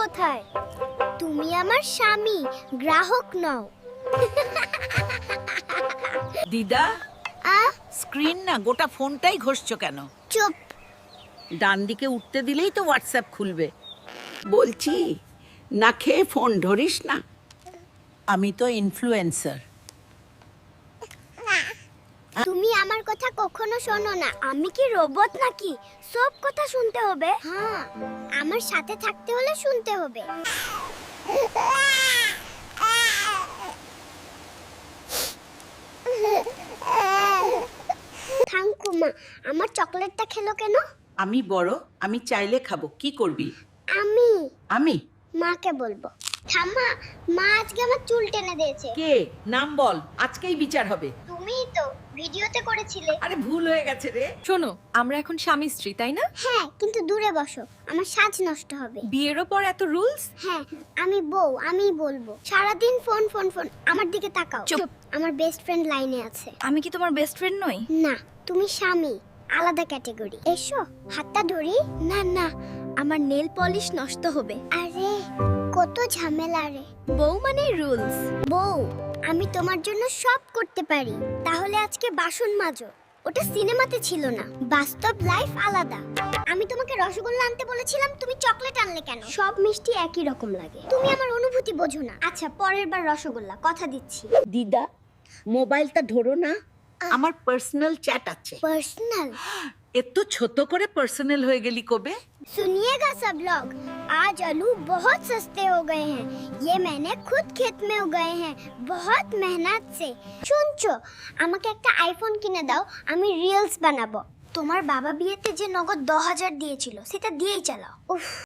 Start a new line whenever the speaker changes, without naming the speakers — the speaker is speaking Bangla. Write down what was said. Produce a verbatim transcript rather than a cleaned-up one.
কোথায়? তুমি আমার স্বামী, গ্রাহক নও।
দিদা,
আ
স্ক্রিন না গোটা ফোনটাই ঘষছো কেন?
চুপ।
ডান দিকে উঠতে দিলেই তো হোয়াটসঅ্যাপ খুলবে।
বলছি না খেয়ে ফোন ধরিস না।
আমি তো ইনফ্লুয়েন্সার।
তুমি আমার কথা কখনো শোনো না। আমি কি রোবট নাকি সব কথা শুনতে হবে? হ্যাঁ, আমার সাথে থাকতে হলে শুনতে হবে। থাঙ্কুমা, আমার চকলেটটা খেলো কেন?
আমি বড়, আমি চাইলে খাবো, কি করবি?
আমি
আমি?
মাকে বলবো। ঠাম্মা, মা আজকে আমার চুল টেনে দিয়েছে।
কে? নাম বল, আজকেই বিচার হবে।
তুমিই তো ভিডিওতে করেছিলে।
আরে ভুল হয়ে গেছে রে।
শোনো, আমরা এখন স্বামী স্ত্রী, তাই না?
হ্যাঁ, কিন্তু দূরে বসো, আমার সাজ নষ্ট হবে।
বিয়েরও পর এত রুলস?
হ্যাঁ, আমি বউ, আমিই বলবো। সারাদিন ফোন ফোন ফোন। আমার দিকে তাকাও।
চুপ।
আমার বেস্ট ফ্রেন্ড লাইনে আছে।
আমি কি তোমার বেস্ট ফ্রেন্ড নই?
না, তুমি স্বামী, আলাদা ক্যাটাগরি। এসো, হাতটা ধরি।
না না, আমার নেল পলিশ নষ্ট হবে।
আরে কত ঝামেলা রে।
বউ মানে রুলস।
বউ, আমি তোমার জন্য সব করতে পারি। তাহলে আজকে বাসন মাজো। ওটা সিনেমাতে ছিল না, বাস্তব লাইফ আলাদা। আমি তোমাকে রসগোল্লা আনতে বলেছিলাম, তুমি চকলেট আনলে কেন? সব মিষ্টি একই রকম লাগে। তুমি আমার অনুভূতি বোঝো না। আচ্ছা, পরের বার রসগোল্লা, কথা দিচ্ছি।
দিদা, মোবাইলটা ধরো না, আমার পার্সোনাল চ্যাট আছে।
पर्सनल
এত ছোট করে পার্সোনাল হয়ে গেলি কবে?
सुनिएगा सब लोग, आज आलू बहुत सस्ते हो गए हैं। ये मैंने खुद खेत में उगाए हैं, बहुत मेहनत से। শুনছো, আমাকে একটা আইফোন কিনে দাও, আমি রিলস বানাবো। তোমার বাবা বিয়েতে যে নগদ দশ হাজার দিয়েছিল, সেটা দিয়েই চালাও। উফ।